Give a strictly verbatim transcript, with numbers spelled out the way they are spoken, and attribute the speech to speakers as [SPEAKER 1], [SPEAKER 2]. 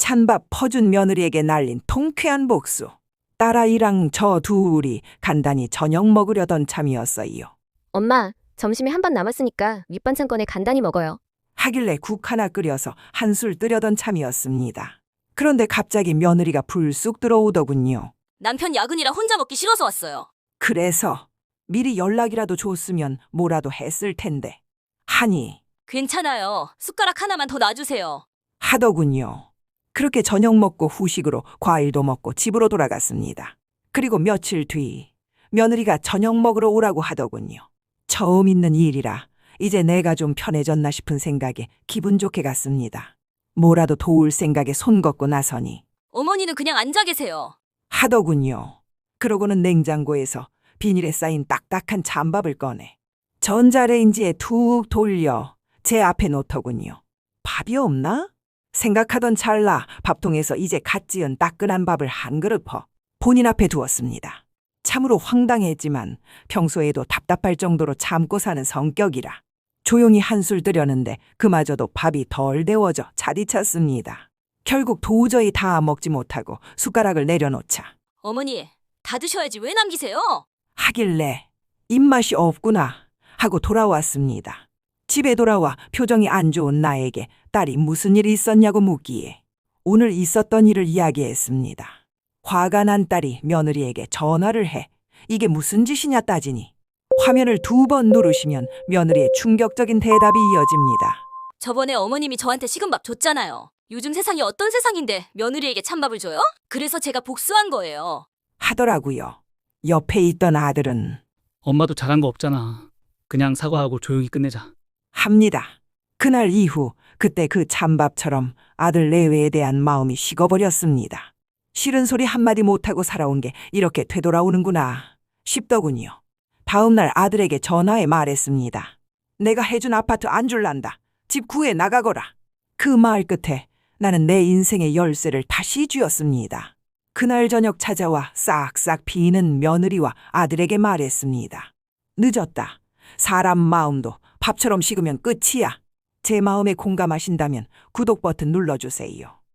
[SPEAKER 1] 찬밥 퍼준 며느리에게 날린 통쾌한 복수. 딸아이랑 저 둘이 간단히 저녁 먹으려던 참이었어요.
[SPEAKER 2] 엄마, 점심에 한 반 남았으니까 밑반찬 꺼내 간단히 먹어요.
[SPEAKER 1] 하길래 국 하나 끓여서 한술 뜨려던 참이었습니다. 그런데 갑자기 며느리가 불쑥 들어오더군요.
[SPEAKER 3] 남편 야근이라 혼자 먹기 싫어서 왔어요.
[SPEAKER 1] 그래서 미리 연락이라도 줬으면 뭐라도 했을 텐데 하니
[SPEAKER 3] 괜찮아요. 숟가락 하나만 더 놔주세요.
[SPEAKER 1] 하더군요. 그렇게 저녁 먹고 후식으로 과일도 먹고 집으로 돌아갔습니다. 그리고 며칠 뒤 며느리가 저녁 먹으러 오라고 하더군요. 처음 있는 일이라 이제 내가 좀 편해졌나 싶은 생각에 기분 좋게 갔습니다. 뭐라도 도울 생각에 손 걷고 나서니
[SPEAKER 3] 어머니는 그냥 앉아 계세요.
[SPEAKER 1] 하더군요. 그러고는 냉장고에서 비닐에 쌓인 딱딱한 찬밥을 꺼내 전자레인지에 툭 돌려 제 앞에 놓더군요. 밥이 없나? 생각하던 찰나 밥통에서 이제 갓 지은 따끈한 밥을 한 그릇 퍼 본인 앞에 두었습니다. 참으로 황당했지만 평소에도 답답할 정도로 참고 사는 성격이라 조용히 한술 뜨려는데 그마저도 밥이 덜 데워져 차디찼습니다. 결국 도저히 다 먹지 못하고 숟가락을 내려놓자
[SPEAKER 3] 어머니, 다 드셔야지 왜 남기세요?
[SPEAKER 1] 하길래 입맛이 없구나 하고 돌아왔습니다. 집에 돌아와 표정이 안 좋은 나에게 딸이 무슨 일이 있었냐고 묻기에 오늘 있었던 일을 이야기했습니다. 화가 난 딸이 며느리에게 전화를 해 이게 무슨 짓이냐 따지니 화면을 두 번 누르시면 며느리의 충격적인 대답이 이어집니다.
[SPEAKER 3] 저번에 어머님이 저한테 식은밥 줬잖아요. 요즘 세상이 어떤 세상인데 며느리에게 찬밥을 줘요? 그래서 제가 복수한 거예요.
[SPEAKER 1] 하더라고요. 옆에 있던 아들은
[SPEAKER 4] 엄마도 잘한 거 없잖아. 그냥 사과하고 조용히 끝내자.
[SPEAKER 1] 합니다. 그날 이후 그때 그 찬밥처럼 아들 내외에 대한 마음이 식어버렸습니다. 싫은 소리 한마디 못하고 살아온 게 이렇게 되돌아오는구나 싶더군요. 다음 날 아들에게 전화해 말했습니다. 내가 해준 아파트 안 줄란다. 집 구해 나가거라. 그 말 끝에 나는 내 인생의 열쇠를 다시 쥐었습니다. 그날 저녁 찾아와 싹싹 비는 며느리와 아들에게 말했습니다. 늦었다. 사람 마음도 밥처럼 식으면 끝이야. 제 마음에 공감하신다면 구독 버튼 눌러주세요.